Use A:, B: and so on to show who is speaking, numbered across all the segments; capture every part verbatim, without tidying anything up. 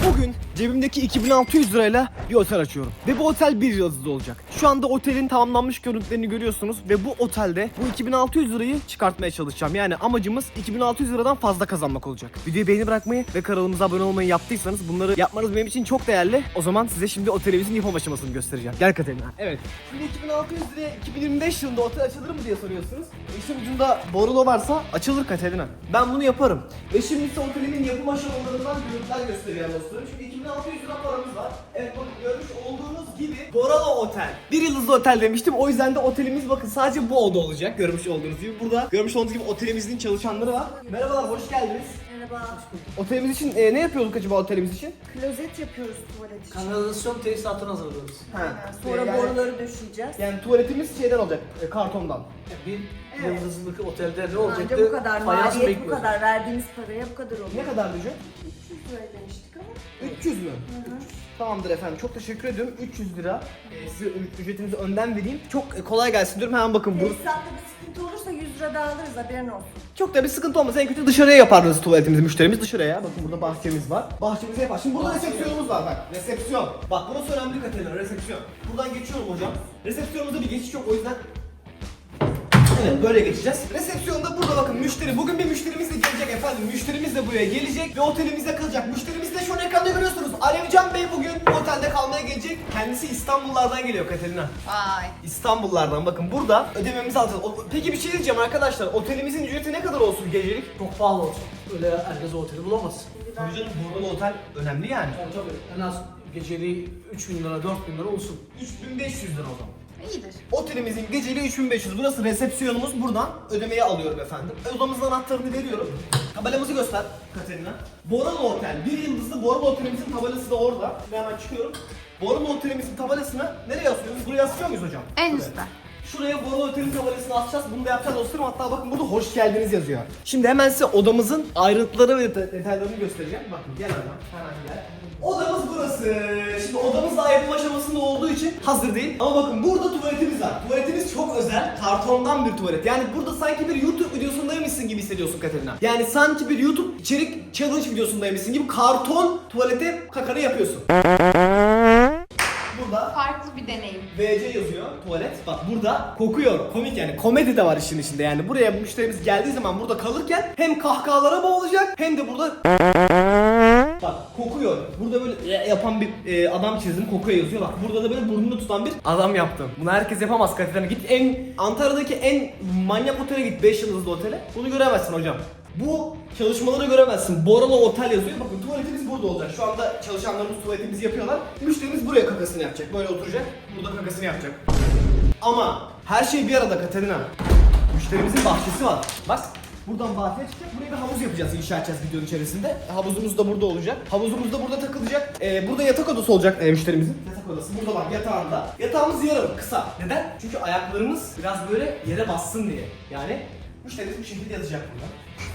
A: Bugün cebimdeki iki bin altı yüz lirayla bir otel açıyorum. Ve bu otel bir yıldızlı olacak. Şu anda otelin tamamlanmış görüntülerini görüyorsunuz. Ve bu otelde bu iki bin altı yüz lirayı çıkartmaya çalışacağım. Yani amacımız iki bin altı yüz liradan fazla kazanmak olacak. Videoyu beğeni bırakmayı ve kanalımıza abone olmayı yaptıysanız bunları yapmanız benim için çok değerli. O zaman size şimdi otelimizin yapım aşamasını göstereceğim. Gel Katerina. Evet. Şimdi iki bin altı yüz liraya iki bin yirmi beş yılında otel açılır mı diye soruyorsunuz. İşin ucunda borulo varsa açılır Katerina. Ben bunu yaparım. Ve şimdi ise otelimin yapım aşamalarından görüntüler göstereceğim dostlarım. Çünkü iki bin altı yüz lira paramız var. Evet bakın görmüş olduğunuz gibi Boralo Otel. Bir yıldızlı otel demiştim. O yüzden de otelimiz bakın sadece bu oda olacak. Görmüş olduğunuz gibi. Burada görmüş olduğunuz gibi otelimizin çalışanları var. Merhabalar, hoş geldiniz.
B: Merhaba.
A: Otelimiz için e, ne yapıyorduk acaba otelimiz için?
B: Klozet yapıyoruz tuvalet için.
C: Kanalizasyon tesisatını hazırlıyoruz.
A: Ha.
B: Sonra
A: yani,
B: boruları döşeyeceğiz.
A: yani tuvaletimiz şeyden olacak, e, kartondan.
C: Bir
B: Evet.
C: yıldızlık otelde ne
B: Anca
C: olacaktı?
B: bu kadar,
C: Fayans
B: maliyet bu
C: bekliyoruz.
B: kadar, verdiğimiz paraya bu kadar oluyor.
A: Ne kadar ücret?
B: üç yüz lira demiştik ama.
A: üç yüz mü?
B: Hı hı.
A: Tamamdır efendim, çok teşekkür ediyorum. üç yüz lira. Ee, size ü- ücretinizi önden vereyim. Çok e, kolay gelsin diyorum. Hemen bakın bu.
B: Tesisatta bir sıkıntı olursa yüz lira daha alırız, haberin olsun.
A: Çok da bir sıkıntı olmaz. En kötü dışarıya yaparız tuvaletimizi, müşterimiz dışarıya. Bakın burada bahçemiz var. Bahçemize yapar. Şimdi burada resepsiyonumuz var bak. Resepsiyon. Bak burası önemli Katerina, resepsiyon. Buradan geçiyorum hocam. Resepsiyonumuzda bir geçiş yok, o yüzden evet, böyle geçeceğiz. Resepsiyonda burada bakın müşteri. Bugün bir müşterimiz de gelecek efendim. Müşterimiz de buraya gelecek ve otelimizde kalacak. Müşterimiz de şu an ekranda görüyorsunuz. Alevcan Bey bugün bu otelde kalmaya gelecek. Kendisi İstanbullardan geliyor Katerina.
B: Vay.
A: İstanbullardan bakın burada ödememizi alacağız. O- Peki bir şey diyeceğim arkadaşlar. Otelimizin ücreti ne kadar olsun gecelik?
C: Çok pahalı olsun. Öyle herkes o oteli bulamaz.
A: Tabii canım, burada otel önemli yani.
C: Yani tabii en az geceliği üç bin lira dört bin lira olsun.
A: üç bin beş yüz lira o zaman.
B: İyidir.
A: Otelimizin geceliği üç bin beş yüz. Burası resepsiyonumuz. Buradan ödemeyi alıyorum efendim. Odamızın anahtarını veriyorum. Tabelamızı göster Katerina. Boralo Otel. Bir yıldızlı Boralo Otelimizin tabelası da orada. Şimdi hemen çıkıyorum. Boralo Otelimizin tabelasını nereye asıyoruz? Buraya asıyor muyuz hocam?
B: En
A: Buraya.
B: üstte.
A: Şuraya Boralo Otel'in tabelasını asacağız. Bunu da yapacağız dostlarım. Hatta bakın burada hoş geldiniz yazıyor. Şimdi hemen size odamızın ayrıntıları ve det- detaylarını göstereceğim. Bakın gel hemen. Hemen gel. Odamız burası. Şimdi odamız daha yapım aşamasında olduğu için hazır değil. Ama bakın burada tuvaletimiz var. Tuvaletimiz çok özel. Kartondan bir tuvalet. Yani burada sanki bir YouTube videosundaymışsın gibi hissediyorsun Katerina. Yani sanki bir YouTube içerik challenge videosundaymışsın gibi karton tuvalete kakanı yapıyorsun. Burada
B: Farklı bir deneyim.
A: V C yazıyor tuvalet. Bak burada kokuyor. Komik yani. Komedi de var işin içinde yani. Buraya müşterimiz geldiği zaman burada kalırken hem kahkahalara boğulacak hem de burada bak kokuyor. Burada böyle yapan bir e, adam çizdim. Kokuyor yazıyor. Bak burada da böyle burnunu tutan bir adam yaptım. Bunu herkes yapamaz Katerina. Git en Antalya'daki en manyak otele git. beş yıldızlı otele. Bunu göremezsin hocam. Bu çalışmaları göremezsin. Boralo Otel yazıyor. Bakın tuvaletimiz burada olacak. Şu anda çalışanlarımız tuvaletimizi yapıyorlar. Müşterimiz buraya kakasını yapacak. Böyle oturacak. Burada kakasını yapacak. Ama her şey bir arada Katerina. Müşterimizin bahçesi var. Bak buradan bahçeye çıkacak. Buraya bir havuz yapacağız, inşa edeceğiz videonun içerisinde. Havuzumuz da burada olacak. Havuzumuz da burada takılacak. Ee, burada yatak odası olacak e, müşterimizin. Yatak odası. Burada bak yatağında. Yatağımız yarım, kısa. Neden? Çünkü ayaklarımız biraz böyle yere bassın diye. Yani müşterimiz bu şekilde yatacak burada.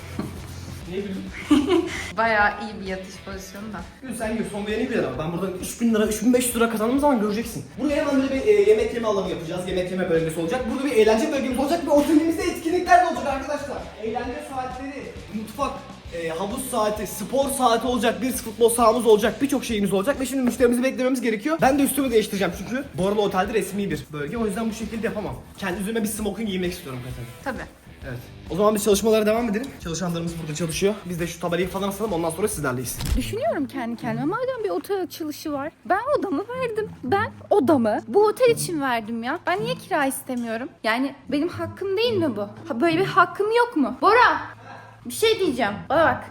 A: Niye güldün?
D: Bayağı iyi bir yatış pozisyonu da.
A: Gül sen gül, son beğeni bir lira. Ben buradan üç bin lira, üç bin beş yüz lira kazandığım zaman göreceksin. Buraya hemen böyle bir e, yemek yeme alanı yapacağız. Yemek yeme bölgesi olacak. Burada bir eğlence bölgemiz olacak ve otelimizde etkinlikler de olacak arkadaşlar. Eğlence saatleri, mutfak, e, havuz saati, spor saati olacak, bir futbol sahamız olacak, birçok şeyimiz olacak ve şimdi müşterimizi beklememiz gerekiyor. Ben de üstümü değiştireceğim çünkü Boralo Otel'de resmi bir bölge. O yüzden bu şekilde yapamam. Kendi üzerime bir smoking giymek istiyorum Katerina.
D: Tabii.
A: Evet. O zaman biz çalışmalara devam edelim. Çalışanlarımız burada çalışıyor. Biz de şu tabelayı falan asalım, ondan sonra sizlerleyiz.
D: Düşünüyorum kendi kendime. Madem bir otel açılışı var. Ben odamı verdim. Ben odamı bu otel için verdim ya. Ben niye kira istemiyorum? Yani benim hakkım değil mi bu? Ha, böyle bir hakkım yok mu? Bora! Bir şey diyeceğim. Bana bak.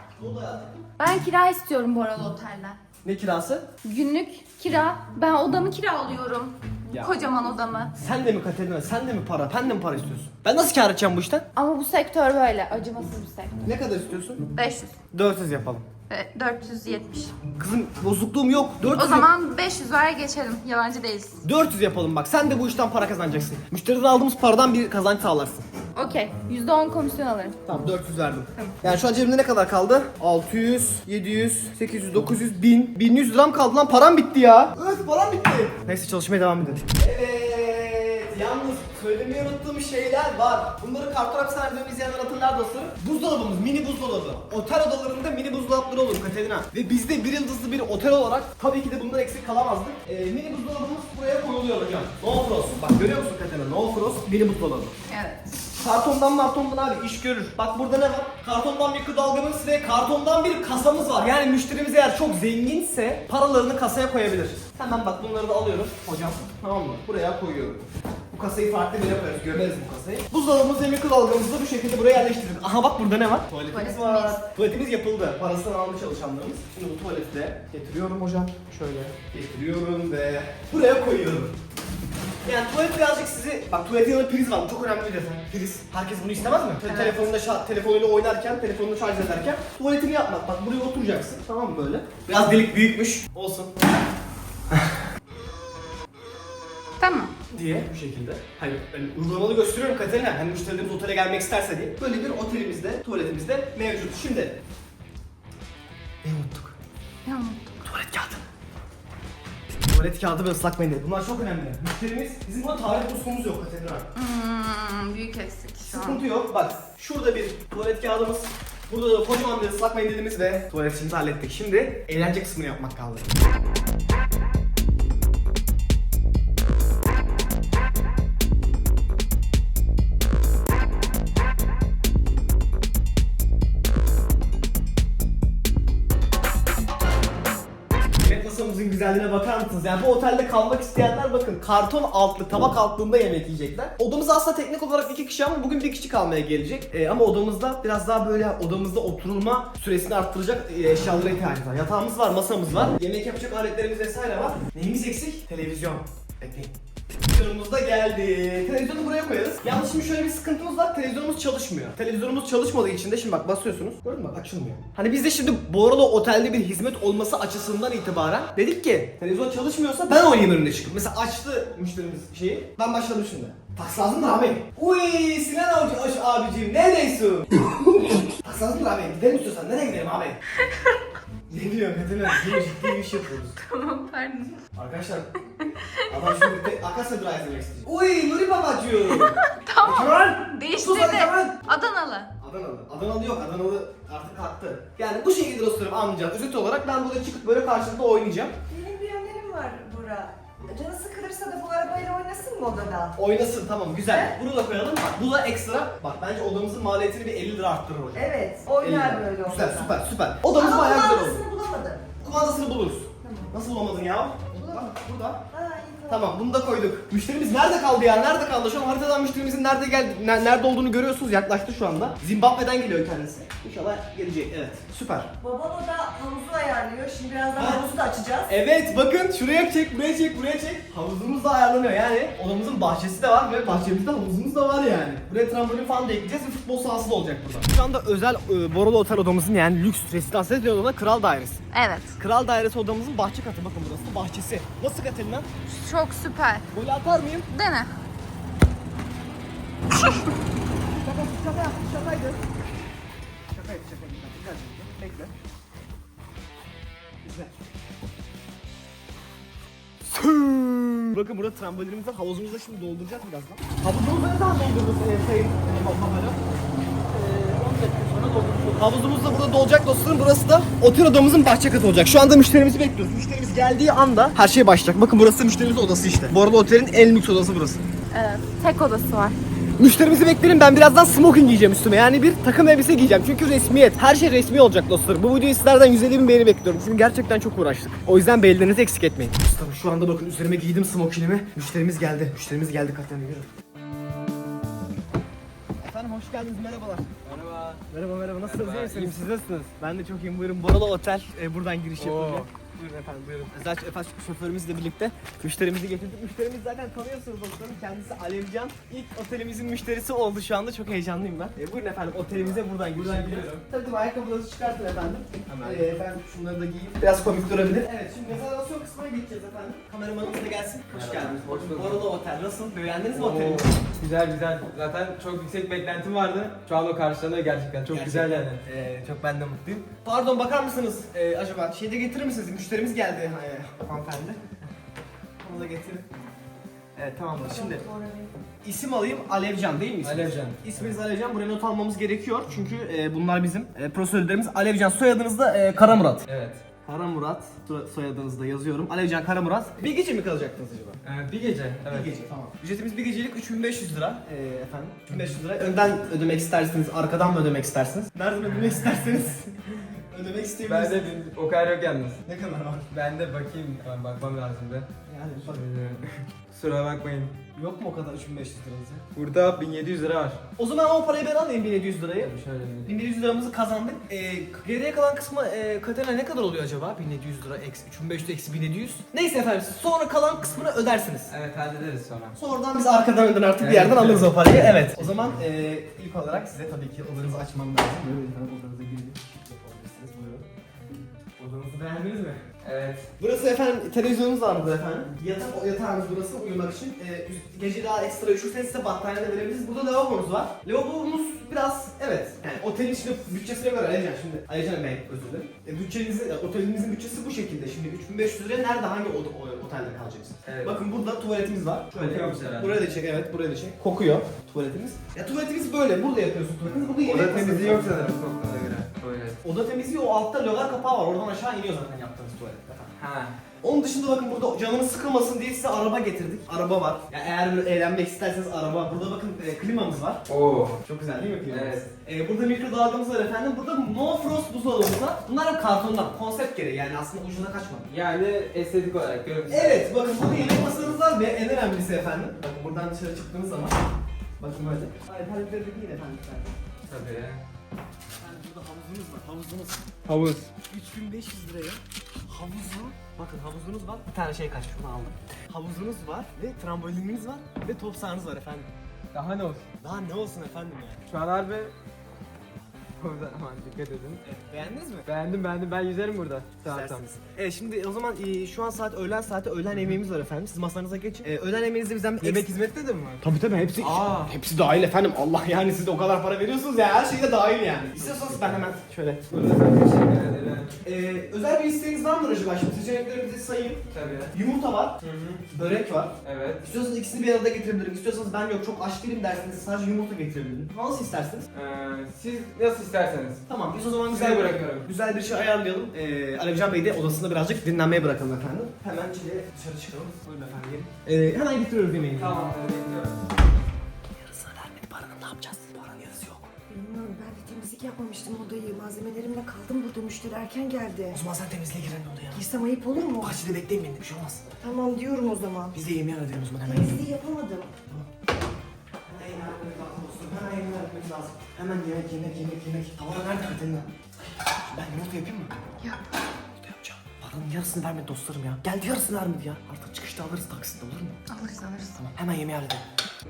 D: Ben kira istiyorum Bora'lı otelden.
A: Ne kirası?
D: Günlük kira. Ben odamı kiralıyorum.
A: Ya.
D: Kocaman odamı.
A: Sen de mi Katerina? Sen de mi para? Ben de mi para istiyorsun? Ben nasıl kâr edeceğim bu işten?
D: Ama bu sektör böyle. Acımasız bir sektör.
A: Ne kadar istiyorsun?
D: beş yüz.
A: dört yüz yapalım.
D: ve dört yüz yetmiş.
A: Kızım bozukluğum yok. dört yüz
D: O zaman beş yüz ver geçelim. Yalancı değiliz.
A: dört yüz yapalım bak. Sen de bu işten para kazanacaksın. Müşteriden aldığımız paradan bir kazanç sağlarsın.
D: Okey. yüzde on komisyon alırım.
A: Tamam dört yüz verdim. Yani şu an cebimde ne kadar kaldı? altı yüz, yedi yüz, sekiz yüz, dokuz yüz, bin. bin yüz liram kaldı lan, param bitti ya. Evet param bitti. Neyse çalışmaya devam edelim. Evet yalnız söylemeyi unuttuğum şeyler var. Bunları karton hapishanede izleyenler hatırlar dostlarım. Buzdolabımız, mini buzdolabı. Otel odalarında mini buzdolapları olur Katerina. Ve bizde bir yıldızlı bir otel olarak tabii ki de bundan eksik kalamazdık. Ee, mini buzdolabımız buraya konuluyor hocam. No frost. Bak görüyor musun Katerina? No frost mini buzdolabı.
D: Evet.
A: Kartondan martondan abi iş görür. Bak burada ne var? Kartondan bir kıdalgamız ve kartondan bir kasamız var. Yani müşterimiz eğer çok zenginse paralarını kasaya koyabilir. Hemen bak bunları da alıyorum hocam. Tamam mı? Buraya koyuyorum. Bu kasayı farklı bir yere koyarız. Gömeriz bu kasayı. Buzdolabımız ve mikrodalgamızı da bu şekilde buraya yerleştirdik. Aha bak burada ne var? Tuvaletimiz
D: Tuvaletimiz.
A: var. Tuvaletimiz yapıldı. Parasını almış çalışanlarımız. Şimdi bu tuvaleti de getiriyorum hocam. Şöyle getiriyorum ve buraya koyuyorum. Yani tuvalet birazcık sizi... Bak tuvaletin yanında priz var. Bu çok önemli bir detay. Priz. Herkes bunu istemez mi?
D: Evet.
A: Telefonunda şa- telefonuyla oynarken, telefonunu şarj ederken tuvaletini yapmak. Bak buraya oturacaksın. Tamam mı böyle? Biraz delik büyükmüş. Olsun.
D: Tamam.
A: Diye bu şekilde. Hani ben uygulamalı gösteriyorum Katerina. Hani müşterilerimiz otele gelmek isterse diye. Böyle bir otelimizde, tuvaletimizde mevcut. Şimdi... Ne unuttuk?
D: Ne oldu?
A: Tuvalet kağıdı. Tuvalet kağıdı ve ıslak mendil. Bunlar çok önemli. Müşterimiz, bizim burada tarih musluğumuz yok Katerina.
D: Hmm, büyük eksik şu an.
A: Sıkıntı yok. Bak şurada bir tuvalet kağıdımız. Burada da kocaman bir ıslak mendilimiz ve tuvalet işimizi hallettik. Şimdi eğlence kısmını yapmak kaldı. Yemek masamızın güzelliğine bakar mısınız? Yani bu otelde kalmak isteyenler bakın karton altlı, tabak altlığında yemek yiyecekler. Odamız aslında teknik olarak iki kişi ama bugün bir kişi kalmaya gelecek. Ee, ama odamızda biraz daha böyle odamızda oturulma süresini arttıracak e, eşyalara ihtiyacımız var. Yatağımız var, masamız var, yemek yapacak aletlerimiz vesaire var. Neyimiz eksik? Televizyon. Bekleyin. Televizyonumuz da geldi. Televizyonu buraya koyarız. Yalnız şimdi şöyle bir sıkıntımız var. Televizyonumuz çalışmıyor. Televizyonumuz çalışmadığı için de şimdi bak basıyorsunuz. Gördün mü bak açılmıyor. Hani biz de şimdi bu arada otelde bir hizmet olması açısından itibaren dedik ki televizyon çalışmıyorsa ben oynayayım önüne çıkıp. Mesela açtı müşterimiz şeyi. Ben başladım şimdi. Taks lazım mı abi? Uy Sinan abi, abicim neredeysin? Taks lazım mı abi? Gidelim istiyorsan nereye gidelim abi? Ne diyor Katerina? Ciddi ciddi bir iş yapıyoruz.
D: Tamam pardon.
A: Arkadaşlar adam şimdi bir Akasya Drive izlemek isteyecek. Uy Nuri babacığım.
D: Tamam.
A: Kemal.
D: Değiştirdi.
A: Sus hadi Kemal.
D: Adanalı.
A: Adanalı. Adanalı yok. Adanalı artık kalktı. Yani bu şekilde dostlarım amca. Özet olarak ben burada çıkıp böyle karşılıklı oynayacağım.
B: Benim bir önerim var Burak. Canı sıkılırsa da bu arabayla oynasın mı odada?
A: Oynasın tamam güzel. Bunu da koyalım. Bak bu da ekstra. Bak bence odamızın maliyetini bir elli lira arttırır hocam.
B: Evet,
A: elli
B: oynar
A: lira.
B: böyle odada.
A: Güzel süper süper. Odamız
B: Ama
A: bayağı güzel oldu.
B: kumandasını bulamadım.
A: Kumandasını buluruz.
B: Tamam.
A: Nasıl bulamadın ya? Bak burada.
B: Aa, iyi
A: Tamam bunu da koyduk. Müşterimiz nerede kaldı ya? Nerede kaldı? Şu an haritadan müşterimizin nerede geldi, ne- nerede olduğunu görüyorsunuz. Yaklaştı şu anda. Zimbabwe'den geliyor kendisi. İnşallah gelecek. Evet. Süper.
B: Babam o da havuzu ayarlıyor. Şimdi birazdan
A: Ha.
B: havuzu da açacağız.
A: Evet bakın şuraya çek, buraya çek, buraya çek. Havuzumuz da ayarlanıyor yani. Odamızın bahçesi de var ve bahçemizde havuzumuz da var yani. Buraya trambolin falan da ekleyeceğiz ve futbol sahası da olacak burada. Şu anda özel e, Borolo Otel odamızın yani lüks rezidans ediyor ona Kral Dairesi.
D: Evet.
A: Kral Dairesi odamızın bahçe katı bakın burası da bahçesi. Nasıl Katerina?
D: Çok süper.
A: Gol atar mıyım?
D: Dene.
A: Şaka, şaka, şakaydı. Şakaydı, şakaydı. Güzel, bekle. Güzel. Süüüüü. Bakın burada trambolinimiz var. Havuzumuzu da şimdi dolduracağız birazdan. Havuzumuzu ne zaman doldururuz e, sayın e, babamara? on dakika sonra doldururuz. Havuzumuz da burada dolacak dostlarım. Burası da otel odamızın bahçe katı olacak. Şu anda müşterimizi bekliyoruz. Müşterimiz geldiği anda her şey başlayacak. Bakın burası müşterimizin odası işte. Bu arada otelin en lüks odası burası.
D: Evet. Tek odası var.
A: Müşterimizi beklerim, ben birazdan smoking giyeceğim üstüme, yani bir takım elbise giyeceğim çünkü resmiyet, her şey resmi olacak dostlarım. Bu videoyu sizlerden yüz elli bin beğeni bekliyorum çünkü gerçekten çok uğraştık. O yüzden beğenilerinizi eksik etmeyin. Dostlarım şu anda bakın üzerime giydim smokingimi, müşterimiz geldi, müşterimiz geldi Katerina yürü. Efendim hoş geldiniz, merhabalar.
C: Merhaba.
A: Merhaba merhaba, nasılsınız,
C: Merhaba,
A: iyi misiniz?
C: iyiyim,
A: Siz nasılsınız? Ben de çok iyiyim, buyurun. Borolo Otel, e, buradan giriş yapılacak. Buyurun efendim buyurun. Zaten efendim şoförümüzle birlikte müşterimizi getirdik. Müşterimiz zaten tanıyorsunuz dostlarım. Kendisi Alevcan. İlk otelimizin müşterisi oldu şu anda. Çok heyecanlıyım ben. E, buyurun efendim otelimize buradan giriş yapıyoruz. Tabii tabii ayakkabılarınızı çıkartın efendim.
C: Hemen.
A: E, ben şunları da giyeyim. Biraz komik durabilir. Evet şimdi rezervasyon kısmına geçeceğiz efendim. Kameramanımız da gelsin. Hoş geldiniz.
C: Hoş bulduk.
A: Borolo Otel nasıl? Beğendiniz mi
C: Oo,
A: oteli?
C: güzel güzel. Zaten çok yüksek beklentim vardı. Şu an o karşılanıyor gerçekten. Çok güzel yani.
A: Ee, çok ben de mutluyum. Pardon bakar mısınız? Ee, acaba şeyde getirir misiniz? Müşterimiz geldi ee, hanımefendi. Onu da getirin. Evet tamamdır. Şimdi
B: Bora Bey.
A: isim alayım, Alevcan değil mi isminiz?
C: Alevcan.
A: İsminiz Alevcan. Buraya not almamız gerekiyor. Çünkü e, bunlar bizim e, prosedürlerimiz. Alevcan, soyadınız da e, Karamurat.
C: Evet.
A: Karamurat soyadınızı da yazıyorum. Alevcan Karamurat. Bir gece mi kalacaktınız acaba?
C: Ee, bir gece. Evet.
A: Bir gece, tamam. Ücretimiz bir gecelik üç bin beş yüz lira. Ee, efendim, üç bin beş yüz lira. Önden ödemek isterseniz, arkadan mı ödemek istersiniz? Nereden ödemek isterseniz ödemek
C: Ben
A: isteyebilirsiniz.
C: de bir- o kadar yok yalnız.
A: Ne kadar var?
C: Ben de bakayım. Ben bakmam lazım da.
A: Yani bak,
C: Kusura bakmayın.
A: yok mu o kadar üç bin beş yüz liranızı?
C: Burada bin yedi yüz lira var.
A: O zaman o parayı ben alayım, bin yedi yüz lirayı.
C: Şöyle bir-
A: bin yedi yüz liramızı kazandık. Ee, geriye kalan kısmı e, Katerina ne kadar oluyor acaba? bin yedi yüz lira eksi üç bin beş yüz eksi bin yedi yüz. Neyse efendim, siz sonra kalan kısmını ödersiniz.
C: Evet, hallederiz sonra.
A: Sonradan biz arkadan önden artık bir
C: Evet,
A: yerden
C: evet.
A: alırız o parayı. Evet. O zaman e, ilk olarak size tabii ki odanızı açmam lazım. Buyurun efendim, odanıza girin. Yapabilirsiniz, buyurun. Odanızı beğendiniz mi?
C: Evet.
A: Burası efendim televizyonumuz var burada efendim. Yatak, o yatağımız burası uyumak için. E, gece daha ekstra üşürseniz size battaniye de verebiliriz. Burada lavabomuz var. Lavabomuz biraz evet. Yani otelin içinde bütçesine göre Alican şimdi. Alican Bey özür dilerim. E, bütçenizi, e, otelimizin bütçesi bu şekilde. Şimdi üç bin beş yüz liraya nerede hangi oda, o, otelde kalacaksınız?
C: Evet.
A: Bakın burada tuvaletimiz var.
C: Kokuyormuş herhalde.
A: Buraya da çek, evet buraya da çek. Kokuyor tuvaletimiz. Ya tuvaletimiz böyle. Burada yapıyorsun tuvaletimiz. Burada yemek
C: Oda
A: masası
C: temizliği
A: var.
C: yok sanırım koktuğuna göre. Evet.
A: Oda temizliği o altta logar kapağı var. Oradan aşağı iniyor zaten yaptığınız tuvalet.
C: Ha.
A: Onun dışında bakın burada canınız sıkılmasın diye size araba getirdik. Araba var. Ya eğer böyle eğlenmek isterseniz araba. Burada bakın e, klimamız var.
C: Oo.
A: Çok güzel değil mi klimamız?
C: Evet.
A: E, burada mikrodalgamız var efendim. Burada no frost buzdolabımız var. Bunlar hep kartondan. Konsept gereği yani aslında ucuna kaçmadı.
C: Yani estetik olarak görüntü.
A: Evet bakın burada yemek masanız var ve en önemlisi efendim. Bakın buradan dışarı çıktığınız zaman. Bakın böyle. Alperlikleri de giyin efendim.
C: Tabii.
A: Yani burada havuzunuz var. Havuzunuz.
C: Havuz.
A: üç bin beş yüz liraya havuzu, bakın havuzunuz var, bir tane şey kaçmış, onu aldım. Havuzunuz var ve trambolininiz var ve top sahanız var efendim.
C: Daha ne olsun?
A: Daha ne olsun efendim ya?
C: Şu an harbi... Burada aman dikkat edin.
A: Evet, beğendiniz mi?
C: Beğendim beğendim, ben yüzerim burada. Tamam tamam.
A: İsterseniz. Evet şimdi o zaman e, şu an saat öğlen saati, öğlen yemeğimiz var efendim. Siz masanıza geçin. E, öğlen yemeğinizde bizden bir
C: Yemek
A: ekstra-
C: hizmeti de mi var?
A: Tabii tabii hepsi
C: Aa.
A: hepsi dahil efendim. Allah yani siz de o kadar para veriyorsunuz ya, her şey de dahil yani. İstiyorsanız ben hemen şöyle.
C: Burada ben teşekkür ederim.
A: E, özel bir isteğiniz var mı acaba? Şimdi seçeneklerimizi sayayım.
C: Tabii.
A: Yumurta var,
C: Hı hı.
A: börek var.
C: Evet.
A: İstiyorsanız ikisini bir arada getirebilirim. İstiyorsanız ben yok çok aç değilim derseniz sadece yumurta getirebilirim. Nasıl isterseniz?
C: Ee, siz nasıl isterseniz.
A: Tamam biz o zaman
C: Size
A: güzel
C: bırakıyorum.
A: Güzel bir şey ayarlayalım. Ee, Alevcan Bey de odasında birazcık dinlenmeye bırakalım efendim. Hemen çile dışarı çıkalım. Buyurun efendim. Ee, hemen getiriyoruz yemeğini.
C: Tamam, bekliyorum.
A: Yarısını vermedi paranın, ne yapacağız? Paranın yarısı yok.
B: Bilmiyorum, ben de temizlik yapmamıştım odayı. Malzemelerimle kaldım burada, müşteri erken geldi.
A: O zaman sen temizliğe giren odaya.
B: Girsem ayıp olur mu?
A: Bahçede bekleyin beni, bir şey olmaz.
B: Tamam diyorum o zaman.
A: Biz de yemeği halledelim o zaman hemen.
B: Temizliği yapamadım.
A: Hemen yemeği halletmemiz lazım dostum. Hemen yemeği halletmemiz lazım. Hemen yemek, yemek, yemek, yemek. Tavada nerede Katerina? Ben yumurta yapayım mı?
D: Yap.
A: Yumurta yapacağım. Paranın yarısını vermedi dostlarım ya. Geldi yarısını vermedi ya. Artık çıkışta alırız taksitle, olur mu?
D: Alırız alırız.
A: Tamam hemen yemeği halledelim.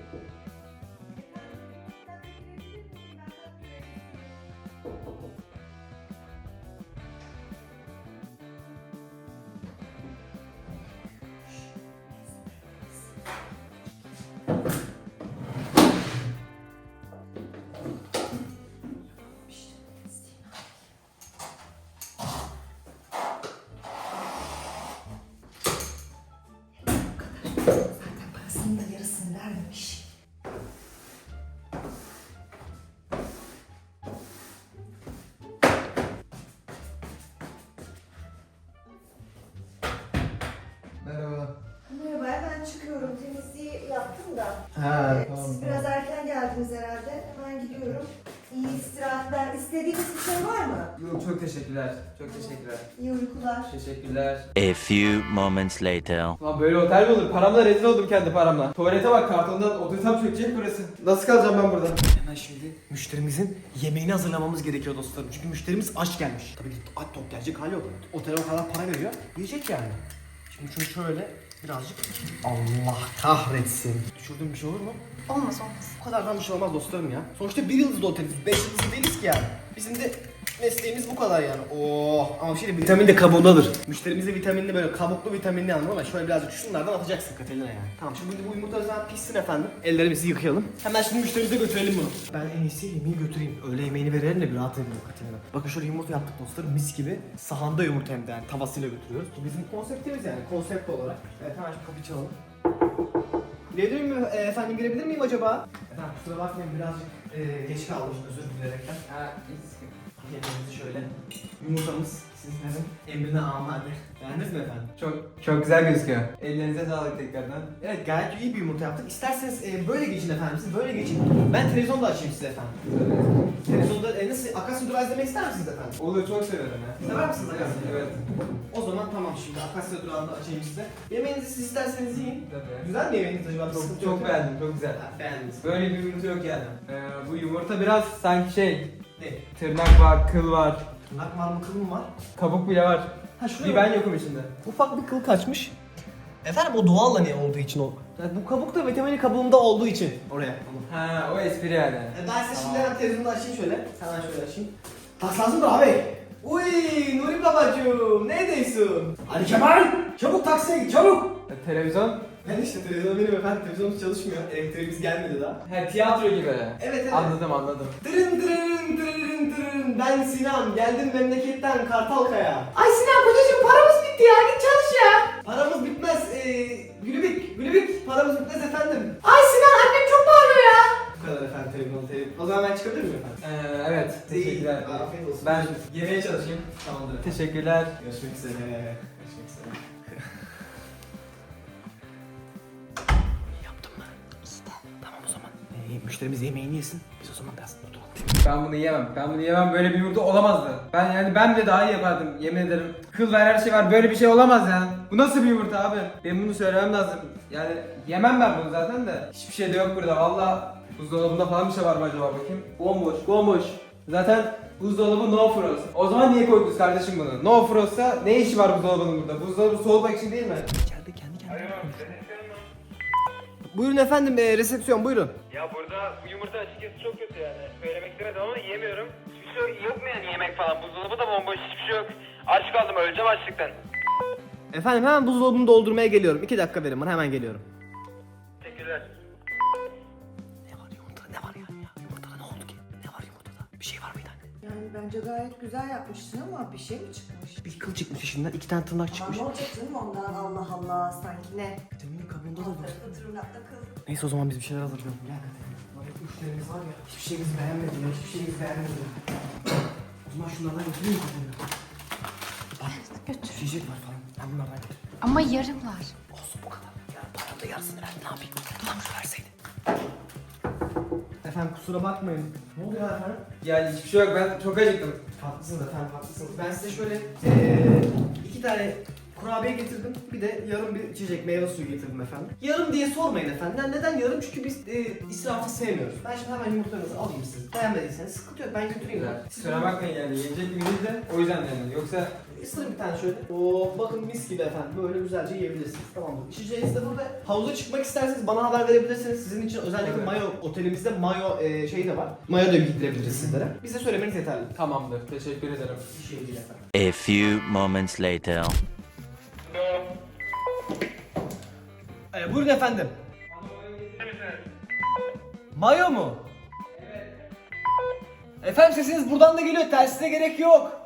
B: Zaten parasının da yarısını vermemiş.
C: Merhaba.
B: Merhaba, ben çıkıyorum. Temizliği yaptım da.
C: Ha,
B: Evet, siz biraz erken geldiniz herhalde. Hemen gidiyorum. İyi istirahatler. İstediğiniz bir şey var mı?
C: Yok, çok teşekkürler. Çok teşekkürler.
B: İyi uykular.
C: Teşekkürler.
E: A few moments later.
C: Lan böyle otel mi olur? Paramla rezil oldum kendi paramla. Tuvalete bak, kartondan otursam çökecek burası. Nasıl kalacağım ben burada?
A: Hemen şimdi müşterimizin yemeğini hazırlamamız gerekiyor dostlarım. Çünkü müşterimiz aç gelmiş. Tabii ki aç tok gelecek hali yok. Otele o kadar para veriyor. Yiyecek yani. Şimdi şunu şöyle birazcık... Allah kahretsin. Düşürdüğüm bir şey olur mu?
D: Olmaz olmaz.
A: Bu kadardan bir şey olmaz dostlarım ya. Sonuçta bir yıldızlı oteliz. Beş yıldızlı değiliz ki yani. Bizim de mesleğimiz bu kadar yani. Oh, ama bir şey de vitamin de kabuğundadır. Müşterimize vitaminli böyle kabuklu vitaminli anladın mı? Şöyle birazcık şunlardan atacaksın Katerina yani. Tamam şimdi bu yumurta zaten pişsin efendim. Ellerimizi yıkayalım. Hemen şimdi müşterimize götürelim bunu. Ben en iyisi yemeği götüreyim. Öğle yemeğini verelim de bir rahat edelim Katerina. Bakın şöyle yumurta yaptık dostlarım, mis gibi. Sahanda yumurta hem de yani tavasıyla götürüyoruz. Bu bizim konseptimiz yani, konsept olarak. Evet hemen şu kapıyı çalalım. Gelebilir miyim e, efendim, girebilir miyim acaba? Efendim kusura bakmayın, birazcık e, geç kaldım, özür dileyerekten.
C: Ha,
A: Yemeğimizi şöyle, yumurtamız sizlerin emrine amade. Beğendiniz mi efendim?
C: çok çok güzel gözüküyor. Ellerinize sağlık tekrardan.
A: Evet, gayet iyi bir yumurta yaptık. İsterseniz e, böyle geçin efendim, siz böyle geçin. Ben televizyonda açayım size efendim. Televizyonda e, nasıl, Akasya Durağı izlemek ister misiniz efendim?
C: Olur, çok severim ya.
A: Sever misiniz Akasya?
C: Evet.
A: O zaman tamam, şimdi Akasya Durağı'nda açayım size. Yemeğinizi siz isterseniz yiyin.
C: Tabii.
A: Güzel mi yemeğiniz acaba? Bir
C: Çok,
A: sıkıntı
C: çok
A: yok.
C: beğendim, çok güzel.
A: Ha, beğendiniz.
C: Böyle bir yumurta yok yani. Ee, bu yumurta biraz sanki şey,
A: Ne?
C: tırnak var, kıl var,
A: Tırnak var mı, kıl mı var?
C: kabuk bile var.
A: Ha
C: Bir ben yokum içinde.
A: Ufak bir kıl kaçmış. Efendim o doğal hani olduğu için o. Yani bu kabuk da vitamini kabuğunda olduğu için oraya.
C: Ha, o espri yani.
A: E ben size şimdi hemen televizyonu açayım şöyle. Hemen şöyle açayım. Tas lazım da abi. Uy Nuri babacığım, neredesin? Ali Kemal! Çabuk taksiye git, çabuk!
C: E, televizyon?
A: Ben işte televizyon benim efendim, televizyonumuz çalışmıyor. Elektriğimiz gelmedi daha.
C: He, tiyatro gibi.
A: Evet evet.
C: Anladım, anladım.
A: Tırın tırın tırın tırın, ben Sinan, geldim memleketten Kartalkaya. Ay Sinan kocacığım, paramız bitti ya, git çalış ya. Paramız bitmez, ee, Gülübük, Gülübük, paramız bitmez efendim. Ay Sinan, annem çok bağırıyor ya. Bu kadar efendim, televizyon, televizyon. O zaman ben çıkabilir miyim efendim?
C: Ee, evet, teşekkürler.
A: Afiyet olsun.
C: Ben yemeğe çalışayım.
A: Tamamdır efendim.
C: Teşekkürler.
A: Görüşmek üzere. Görüşmek üzere. Yaptım mı? İşte. Tamam o zaman. Ee, müşterimiz yemeğini yesin. Biz o zaman biraz oturalım.
C: Ben bunu yiyemem. Ben bunu yiyemem. Böyle bir yumurta olamazdı. Ben yani ben bile daha iyi yapardım. Yemin ederim. Kıl var, her şey var. Böyle bir şey olamaz yani. Bu nasıl bir yumurta abi? Benim bunu söylemem lazım. Yani yemem ben bunu zaten de. Hiçbir şey de yok burada. Valla buzdolabında falan bir şey var mı acaba, bakayım. Bomboş, bomboş. Zaten buzdolabı no frost. O zaman niye koydunuz kardeşim bunu? No frost'sa ne işi var buzdolabının burada? Buzdolabı soğutmak için değil mi?
A: İçeride kendi kendine. Buyurun efendim, e, resepsiyon buyurun.
F: Ya burada bu yumurta açıkçası çok kötü yani. Söylemek istemedim ama yiyemiyorum. Hiçbir şey yok mu yani yemek falan? Buzdolabı da bomboş, hiçbir şey yok. Aç kaldım, öleceğim açlıktan.
A: Efendim hemen buzdolabını doldurmaya geliyorum. İki dakika verin bana, hemen geliyorum.
F: Teşekkürler.
A: Ne var yumurtada, ne var yani ya? Yumurtada ne oldu ki? Ne var yumurtada? Bir şey var mıydı anne?
B: Yani bence gayet güzel yapmışsın ama bir şey mi çıkmış?
A: Bir kıl çıkmış içinden, iki tane tırnak
B: Ama
A: çıkmış.
B: ne olacak canım ondan, Allah Allah, sanki ne?
A: Vitaminin kabuğunda da
B: Alt
A: var.
B: tarafı tırnakta kıl.
A: Neyse o zaman biz bir şeyler hazırlayalım. Gel Katerina. Bak hep müşterimiz var ya. Hiçbir şeyimizi beğenmedi ya. Hiçbir şeyimizi beğenmedi. O zaman şunlardan götüreyim Katerina. Bak.
D: Götür.
A: Yiyecek var falan. Ben bunlardan götüreyim.
D: Ama yarımlar.
A: Olsun bu kadar. Ya param da yarısını verdi. Ne yapayım? Tam şu verseydi. Efendim kusura bakmayın. Ne oluyor efendim?
C: Yani hiçbir şey yok. Ben çok acıktım.
A: Haklısınız efendim, haklısınız. Ben size şöyle eee iki tane kurabiye getirdim. Bir de yarım bir içecek, meyve suyu getirdim efendim. Yarım diye sormayın efendim. Yani neden yarım? Çünkü biz eee israfı sevmiyoruz. Ben şimdi hemen yumurtalarınızı alayım siz. Beğenmediyseniz sıkıntı yok. Ben götüreyim. Siz
C: Kusura bakmayın yani. Yiyecek bir değil de o yüzden yani. Yoksa
A: ısırın bir tane şöyle. Oo bakın mis gibi efendim. Böyle güzelce yiyebilirsiniz. Tamamdır. İçeceğiniz de burada. Havuza çıkmak isterseniz bana haber verebilirsiniz. Sizin için özellikle
C: Evet.
A: mayo, otelimizde mayo eee şeyi de var. Mayo da giydirebiliriz sizlere. Bize söylemeniz yeterli.
C: tamamdır. Teşekkür ederim.
A: Bir şey değil efendim.
E: A few moments later.
A: Ee, buyurun efendim. Mayo mu? Evet. Efendim sesiniz buradan da geliyor. Tersine gerek yok.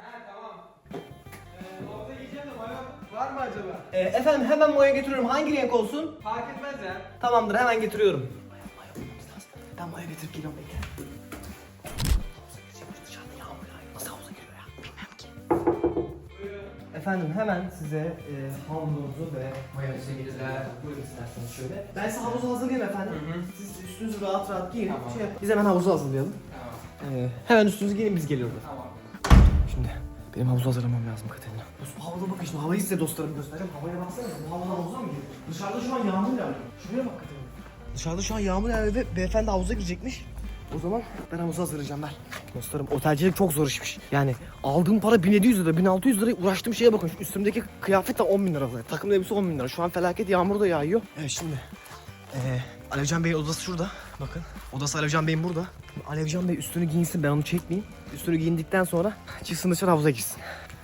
C: Var mı acaba?
A: Ee, efendim hemen mayo getiriyorum. Hangi renk olsun?
C: Fark etmez ya.
A: Tamamdır, hemen getiriyorum. Mayo bulmamız lazım. Ben mayo getirip geliyorum. Bekle. Havuza gireceğim. Dışarıda yağmur yağıyor. Nasıl havuza giriyor ya? Bilmem ki. Efendim hemen size e, havuzunuzu ve mayonezi getireceğim. Buyurun isterseniz şöyle. Ben size havuzu hazırlayayım efendim.
C: Hı hı.
A: Siz üstünüzü rahat rahat giyin.
C: Tamam.
A: Şey yap- Biz hemen havuzu hazırlayalım.
C: Tamam.
A: Ee, hemen üstünüzü giyin, biz geliyoruz.
C: Tamam.
A: Şimdi benim havuzu hazırlamam lazım Katerina. Dostum havada bakın şimdi, havayı size dostlarım göstereceğim. Havaya baksana, bu hava havuza mı giriyor? Dışarıda şu an yağmur yağıyor. Şuraya bak Katerina. Dışarıda şu an yağmur yağıyor ve beyefendi havuza girecekmiş. O zaman ben havuzu hazırlayacağım ver. Dostlarım otelcilik çok zor işmiş. Yani aldığım para bin yedi yüz lira, bin altı yüz lira, uğraştığım şeye bakın. Şu üstümdeki kıyafet de on bin lira. Takım elbise on bin lira. Şu an felaket yağmur da yağıyor. Evet şimdi. Ee, Alevcan Bey'in odası şurada. Bakın. Odası Alevcan Bey'in burada. Alevcan Bey üstünü giyinsin, ben onu çekmeyeyim. Üstünü giyindikten sonra çıksın dışarı, havuza girsin.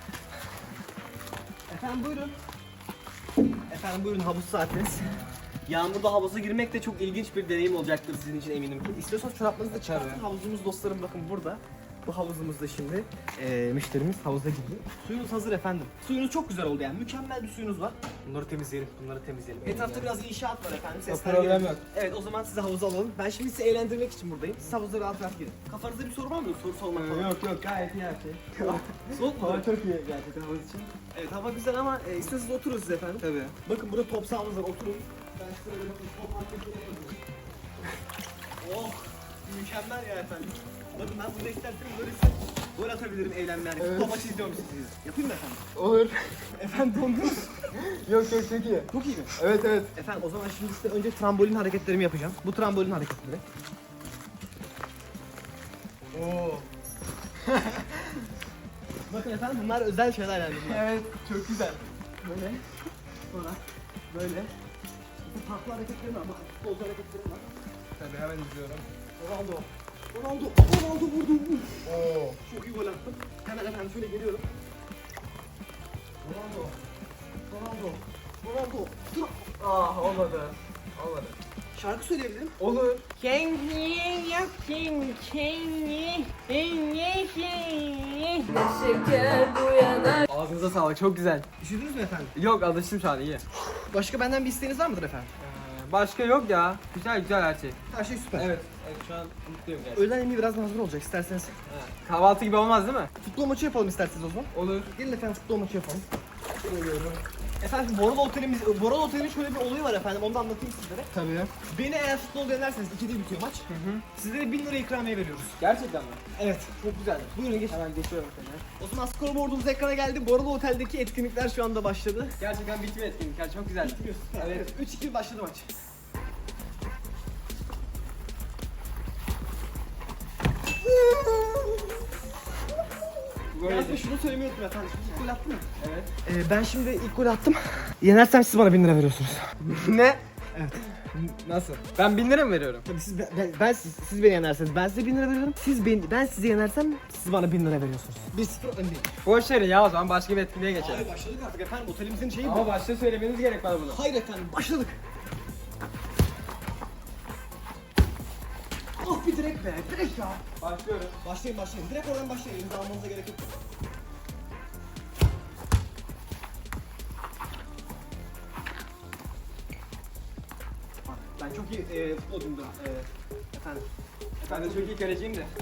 A: Efendim buyurun. Efendim buyurun, havuz saatiniz. Yağmurda havuza girmek de çok ilginç bir deneyim olacaktır sizin için eminim ki. İstiyorsanız çoraplarınızı da çıkartın. Havuzumuz dostlarım bakın burada. Bu havuzumuzda şimdi eee müşterimiz havuza gidiyor. Suyunuz hazır efendim. Suyunuz çok güzel oldu yani. Mükemmel bir suyunuz var. Bunları temizleyelim. Bunları temizleyelim. Etrafta biraz inşaat var efendim. Sesler
C: problem
A: geliyor.
C: yok.
A: Evet o zaman sizi havuza alalım. Ben şimdi sizi eğlendirmek için buradayım. Siz havuza rahat rahat girin. Kafanızda bir soru var mı? Soru sormak falan.
C: Yok yok gayet iyi her şey.
A: Soğuk mu?
C: Hava çok iyi gerçekten havuz için.
A: Evet hava güzel ama e, isterseniz oturun siz efendim.
C: Tabii.
A: Bakın burada top sahamız var, oturun. Ben size öyle bakın top hareketleri yapıyorum. Oh, mükemmel ya efendim. Bakın ben burada isterseniz böyle size gol atabilirim eğlenme yani.
C: Evet.
A: Top maçı izliyorum sizi. Yapayım mı efendim?
C: Olur.
A: Efendim dondunuz.
C: Yok yok çok iyi.
A: Çok iyi mi?
C: Evet evet.
A: Efendim o zaman şimdi size önce trambolin hareketlerimi yapacağım. Bu trambolin hareketleri. Oo. Bakın efendim bunlar özel şeyler yani bunlar.
C: Evet çok güzel.
A: Böyle, sonra böyle. Bu farklı hareketlerim var, bakın futbolcu hareketlerim var.
C: Tabii hemen izliyorum.
A: Ronaldo, Ronaldo, Ronaldo vurdu.
C: Oo.
A: Çok iyi gol attım. Hemen efendim şöyle geliyorum. Ronaldo, Ronaldo, Ronaldo. Dur.
C: Ah olmadı. Olmadı.
A: Şarkı söyleyebilirim.
C: Olur. Ağzınıza sağlık çok güzel.
A: Üşüdünüz mü efendim?
C: Yok alıştım şu an iyi.
A: Başka benden bir isteğiniz var mıdır efendim?
C: Ee, başka yok ya. Güzel güzel her şey.
A: Her şey süper.
C: Evet. Evet şu an mutluyum gerçekten.
A: Öğlen yemeği biraz hazır olacak isterseniz.
C: Kahvaltı gibi olmaz değil mi?
A: Futbol maçı yapalım isterseniz o zaman.
C: Olur.
A: Gelin efendim futbol maçı yapalım. Efendim Boralı Otelimiz, Boralı Otel'in şöyle bir olayı var efendim, onu da anlatayım sizlere.
C: Tabii.
A: Beni eğer futbol denerseniz ikide bitiyor maç.
C: Hı hı.
A: Sizlere bin lira ikramiye veriyoruz.
C: Gerçekten mi?
A: Evet, çok güzel. Buyurun geç.
C: Hemen geçiyorum seni.
A: O zaman scoreboardumuz ekrana geldi. Boralı Otel'deki etkinlikler şu anda başladı.
C: Gerçekten bitmiyor etkinlikler çok güzel.
A: Evet, üç iki başladı maç.
C: Böyle
A: Yalnız ben şunu söylemeyi unuttum efendim. İlk gol attın mı?
C: Evet.
A: Ee, ben şimdi ilk gol attım. Yenersem siz bana bin lira veriyorsunuz.
C: Ne?
A: Evet.
C: Nasıl? Ben bin lira mı veriyorum?
A: Tabii siz, ben, ben- ben siz, siz beni yenerseniz ben size bin lira veriyorum. Siz ben, ben sizi yenersem siz bana bin lira veriyorsunuz. bir sıfır öndeyim.
C: Boş verin ya o zaman başka bir etkinliğe geçelim.
A: Hayır başladık artık efendim, otelimizin şeyi bu.
C: Ama başta söylemeniz gerek bana bunu.
A: Hayır efendim, başladık. Ah bir direkt be, direkt ya.
C: Başlıyorum.
A: Başlayın başlayın, direkt oradan başlayın, elinize almanıza gerek yok. Bak, ben çok iyi e, futbolcumdur e, efendim.
C: Ben de çok iyi kaleciyim de.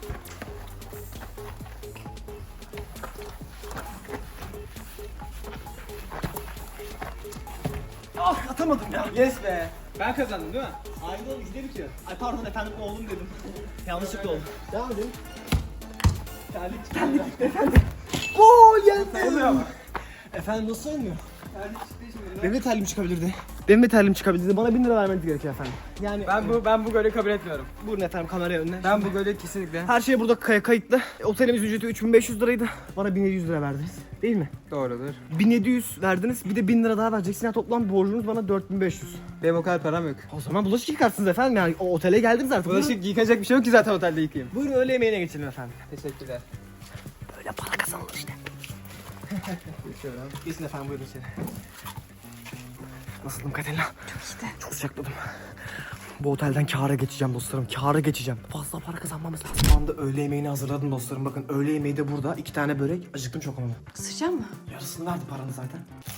A: Ah atamadım ya.
C: Yes be. Ben kazandım değil mi?
A: Aynı oldu, ikide bitiyor. Ay pardon efendim, oğlum dedim. Yanlışlıkla oldu. Devam edin.
C: Terlik çıktı.
A: Terlik çıktı efendim. Gol geldi.
C: Oluyor ama.
A: Efendim nasıl olmuyor?
C: Terlik çıktı şimdi.
A: Benim de terliğim çıkabilirdi. Benim de terliğim çıkabilirdi. Bana bin lira vermeniz gerekiyor efendim. Yani
C: Ben bu ben bu golü kabul etmiyorum.
A: buyurun efendim kameraya önüne.
C: Ben bu golü kesinlikle.
A: Her şey burada kay- kayıtlı. Otelimiz ücreti üç bin beş yüz liraydı. Bana bin yedi yüz lira verdiniz. Değil mi?
C: Doğrudur.
A: bin yedi yüz verdiniz. Bir de bin lira daha vereceksin. Yani toplam borcunuz bana dört bin beş yüz.
C: Benim o kadar param yok.
A: O zaman bulaşık yıkarsınız efendim. Yani o otele geldiniz artık. Buyurun,
C: Bulaşık yıkacak bir şey yok ki zaten otelde yıkayayım.
A: buyurun öğle yemeğine geçelim efendim.
C: Teşekkürler.
A: Böyle para kazanılır işte.
C: Geçiyorum.
A: Geçin efendim buyurun içeri. Nasıldım Katerina? Çok iyiydi. Çok sıcakladım. Bu otelden kâra geçeceğim dostlarım. Kâra geçeceğim. Fazla para kazanmamız lazım. Şu anda öğle yemeğini hazırladım dostlarım. Bakın öğle yemeği de burada. İki tane börek. Acıktım çok ama.
D: Isıracak mı?
A: Yarısını verdi paranı zaten.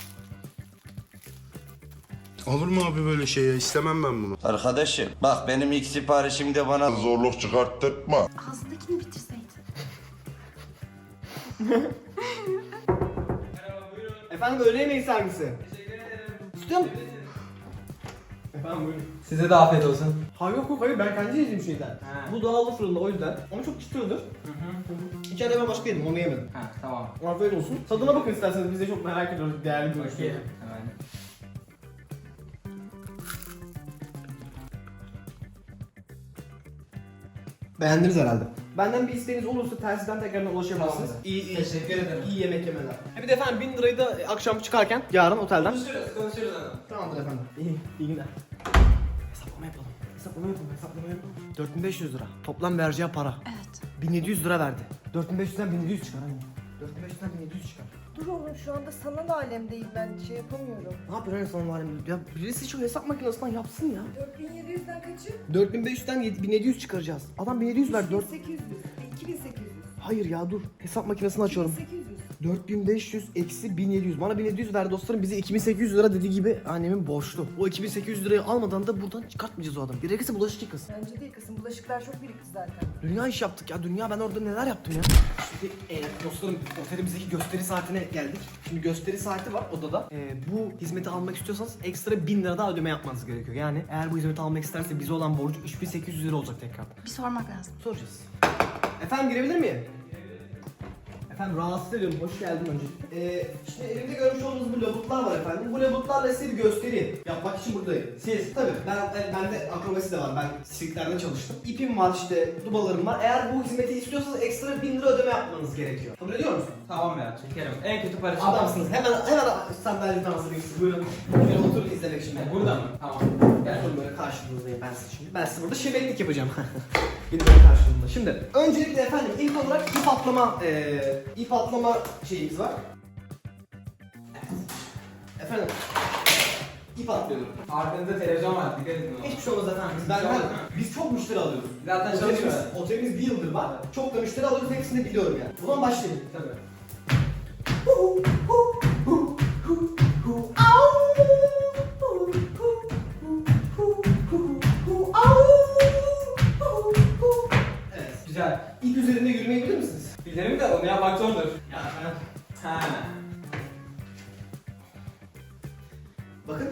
G: Olur mu abi böyle şey ya? İstemem ben bunu.
E: Arkadaşım bak benim ilk siparişimde bana
G: Zorluk çıkarttırma.
D: Ağzındakini bitirseydin.
A: Efendim öğle yemeği servisi.
C: Teşekkür ederim.
A: İstiyor musun? Efendim buyurun.
C: Size de afiyet olsun.
A: Ha yok yok hayır ben kendi yediğim şeyden.
C: Ha.
A: Bu doğallı fırında o yüzden. Ama çok çıtırdır. İçeride ben başka yedim onu yemedim.
C: Ha tamam.
A: Afiyet olsun. Tadına bakın isterseniz, biz de çok merak ediyoruz değerli bir ürün.
C: Hemen.
A: Beğendiniz herhalde. Benden bir isteğiniz olursa telsizden tekrardan ulaşabilirsiniz.
C: Tamamdır.
A: İyi, iyi.
C: Teşekkür ederim.
A: İyi yemek yemeler. Ha bir de efendim bin lirayı da akşam çıkarken yarın otelden.
C: Konuşuruz, konuşuruz hanım.
A: Tamamdır efendim. İyi, iyi günler. Hesaplama yapalım. Hesaplama yapalım, hesaplama yapalım. dört bin beş yüz lira. Toplam vereceği para.
D: Evet.
A: bin yedi yüz lira verdi. dört bin beş yüzden bin yedi yüz çıkar hani. dört bin beş yüzden bin yedi yüz çıkar.
B: Dur oğlum şu anda sanal alemdeyim ben şey yapamıyorum.
A: Ne yapıyor hani sana var ya? Birisi şu hesap makinesinden yapsın ya.
B: dört bin yedi yüzden kaçı?
A: dört bin beş yüzden bin yedi yüz çıkaracağız. Adam bin yedi yüz verdi. dört...
B: sekiz yüz. iki bin sekiz yüz.
A: Hayır ya dur. Hesap makinesini açıyorum.
B: sekiz yüz.
A: dört bin beş yüz eksi bin yedi yüz. Bana bin yedi yüz ver dostlarım. Bize iki bin sekiz yüz lira dediği gibi annemin borçlu. O iki bin sekiz yüz lirayı almadan da buradan çıkartmayacağız o adamı. Gerekirse bulaşık yıkasın.
B: Bence değil kızım. Bulaşıklar çok birikti zaten.
A: Dünya iş yaptık ya. Dünya ben orada neler yaptım ya. Şimdi e, dostlarım otelimizdeki gösteri saatine geldik. Şimdi gösteri saati var odada. E, bu hizmeti almak istiyorsanız ekstra bin lira daha ödeme yapmanız gerekiyor. Yani eğer bu hizmeti almak isterse bize olan borcu üç bin sekiz yüz lira olacak tekrar.
D: Bir sormak lazım.
A: Soracağız. Efendim girebilir miyim? Efendim rahatsız ediyorum. Hoş geldin önce. Ee, işte elimde görmüş olduğunuz bu labutlar var efendim. Bu labutlarla size bir gösteri yapmak için buradayım. Siz tabii ben ben bende akrobasi de var. Ben sirklerde çalıştım. İpim var işte, dubalarım var. Eğer bu hizmeti istiyorsanız ekstra bin lira ödeme yapmanız gerekiyor. Kabul ediyor musun?
C: Tamam ya çekerim. En kötü para için.
A: Adamsınız. Hemen hemen sandalyeden hazırlayayım sizi. Buyurun. Buyurun oturun izlemek şimdi.
C: Burada mı? Tamam.
A: Gel oturun böyle karşınızdayım ben size şimdi. Ben size burada şebeklik yapacağım. Bir de böyle karşılığında. Şimdi öncelikle efendim ilk olarak ip atlama eee ip atlama şeyimiz var. Evet. Efendim ip atlıyorum.
C: Arkanızda televizyon var. Dikkat edin ona.
A: Hiçbir şey olmaz efendim. Biz, ben, ben, biz çok müşteri alıyoruz.
C: Zaten
A: Otelimiz,
C: çalışıyor.
A: otelimiz bir yıldır var. Çok da müşteri alıyoruz. Hepsini de biliyorum yani. O zaman başlayalım.
C: Tabii.
A: Evet.
C: Güzel.
A: İp üzerinde yürümeyi bilir misiniz?
C: Bilirim de onu yapmak zordur.
A: Ya ben...
C: Ha.
A: Bakın.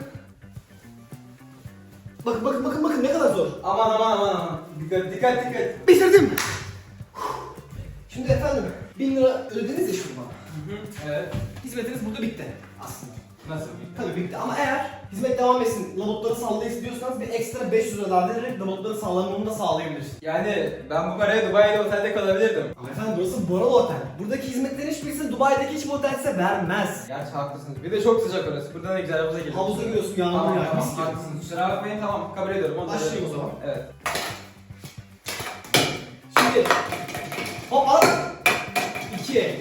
A: Bakın bakın bakın bakın ne kadar zor.
C: Aman aman aman aman. Dikkat dikkat dikkat.
A: Bitirdim. Şimdi efendim bin lira ödediniz ya şimdi bana.
C: Hı hı. Evet.
A: Hizmetiniz burada bitti aslında.
C: Nasıl?
A: Tabii bitti ama eğer hizmet devam etsin, labutları sallayın istiyorsanız bir ekstra beş yüz lira daha vererek labutları sallamamı da sağlayabilirsiniz.
C: Yani ben bu paraya Dubai'de otelde kalabilirdim.
A: Ama efendim burası Boralı Otel. Buradaki hizmetlerin hiçbirisini Dubai'deki hiçbir otel size vermez.
C: Gerçi haklısınız. Bir de çok sıcak orası. Buradan da güzel havuza geliyoruz.
A: Havuza giriyorsun yağmur
C: Tamam
A: yağıyor.
C: tamam
A: mis gibi.
C: haklısınız. Kusura bakmayın tamam kabul ediyorum. Onu da
A: Başlayayım o
C: veriyorum.
A: zaman.
C: Evet.
A: Şimdi hop al. İki.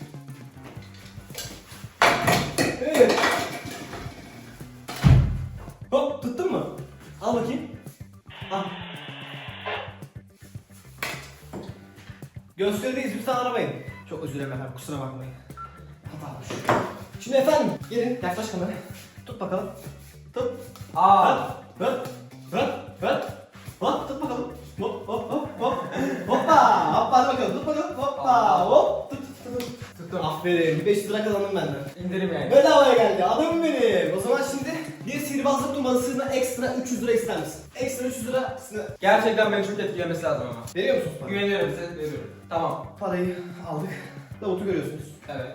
A: Üç. Hop tuttun mu? Al bakayım. Al. Gösterideyiz lütfen aramayın. Çok özür dilerim efendim kusura bakmayın. Hata olmuş. Şimdi efendim gelin yaklaş kameraya. Tut bakalım. Tut.
C: Aa.
A: Hop hop hop hop tut bakalım. Hop hop hop hop. Hoppa hoppa hadi bakalım tut bakalım. Hoppa hop tut tut tut.
C: Tuttum.
A: Aferin beş yüz lira kazandım benden.
C: İndirim yani.
A: Bedavaya geldi adamım benim. O zaman şimdi bir sihirbazlık numarasına ekstra üç yüz lira ister misin? Ekstra üç yüz lira
C: Gerçekten beni çok etkilemesi lazım ama.
A: veriyor musunuz bana?
C: Güveniyorum size veriyorum. Tamam.
A: Parayı aldık. Lavutu görüyorsunuz.
C: Evet.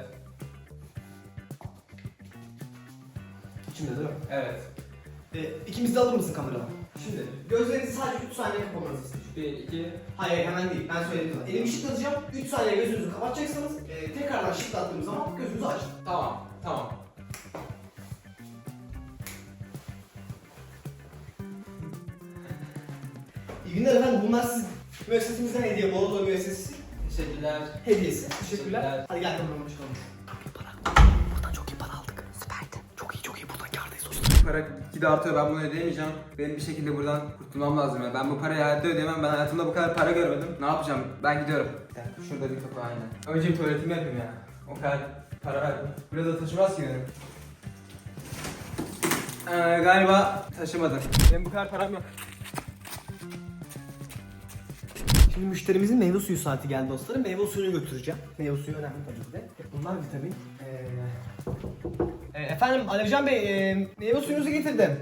A: İçinde değil mi?
C: Evet.
A: Ee, ikimiz de alır mısın kameradan? Şimdi gözlerinizi sadece üç saniye kapamanızı isteyeceğim.
C: Bir, iki.
A: Hayır hemen değil ben söyledim sana. Elimi şıklatacağım. üç saniye gözünüzü kapatacaksınız. Ee, tekrardan şıklattığım zaman gözünüzü açın.
C: Tamam. Tamam.
A: İyi günler efendim. Bunlar siz müessesemizden hediye. Boladoğu müessesesi
C: Teşekkürler.
A: hediyesi. Teşekkürler.
C: Teşekkürler.
A: Hadi gel kameramı çıkalım. Buradan çok iyi para aldık. Süperdi. Çok iyi çok iyi buradan kârdayız dostum.
C: Para gide artıyor ben bunu ödeyemeyeceğim. Benim bir şekilde buradan kurtulmam lazım ya. Ben bu parayı hayatta ödeyemem. Ben hayatımda bu kadar para görmedim. Ne yapacağım? Ben gidiyorum. Bir dakika, şurada bir kapı aynen. Önce bir tuvaletimi yapayım ya. O kadar para verdim. Burada taşımaz ki benim. Ee, galiba taşımadı. Benim bu kadar param yok.
A: Şimdi müşterimizin meyve suyu saati geldi dostlarım. Meyve suyunu götüreceğim. Meyve suyu önemli tabii ki de. Bunlar vitamin. Ee, e, efendim Alevcan Bey, e, meyve suyunuzu getirdim.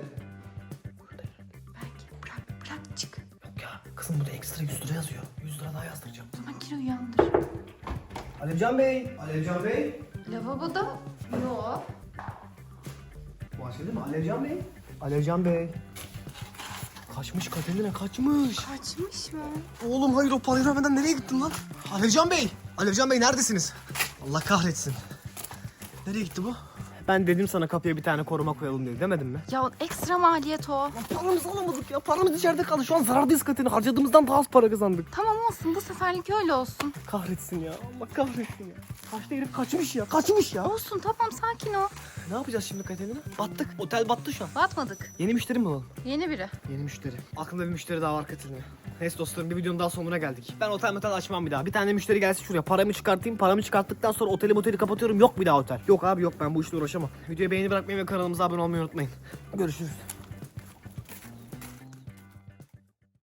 D: Belki bırak bırak çık.
A: Yok ya, kızım burada ekstra yüz lira yazıyor. yüz lira daha yazdıracağım.
D: O zaman gir uyandır.
A: Alevcan Bey, Alevcan Bey.
D: Lavaboda yok.
A: Bu açıldı değil mi? Alevcan Bey. Alevcan Bey. Kaçmış Katerina, kaçmış.
D: Kaçmış mı?
A: Oğlum hayır o parayı vermeden nereye gittin lan? Alevcan Bey! Alevcan Bey neredesiniz? Allah kahretsin. Nereye gitti bu? Ben dedim sana kapıya bir tane koruma koyalım diye demedim mi?
D: Ya ekstra maliyet o.
A: Paramızı alamadık ya. Paramız içeride kaldı. Şu an zarardayız Katerina. Harcadığımızdan daha az para kazandık.
D: Tamam olsun bu seferlik öyle olsun.
A: Kahretsin ya. Allah kahretsin ya. Kaçtı herif kaçmış ya. Kaçmış ya.
D: Olsun tamam sakin ol.
A: Ne yapacağız şimdi Katerina? Battık. Otel battı şu an.
D: Batmadık.
A: Yeni müşteri mi alalım?
D: Yeni biri.
A: Yeni müşteri. Aklımda bir müşteri daha var Katerina. Neyse dostlarım, bir videonun daha sonuna geldik. Ben otel metal açmam bir daha. Bir tane müşteri gelsin şuraya, paramı çıkartayım. Paramı çıkarttıktan sonra oteli moteli kapatıyorum. Yok bir daha otel. Yok abi yok, ben bu işle uğraşamam. Videoyu beğeni bırakmayı ve kanalımıza abone olmayı unutmayın. Görüşürüz.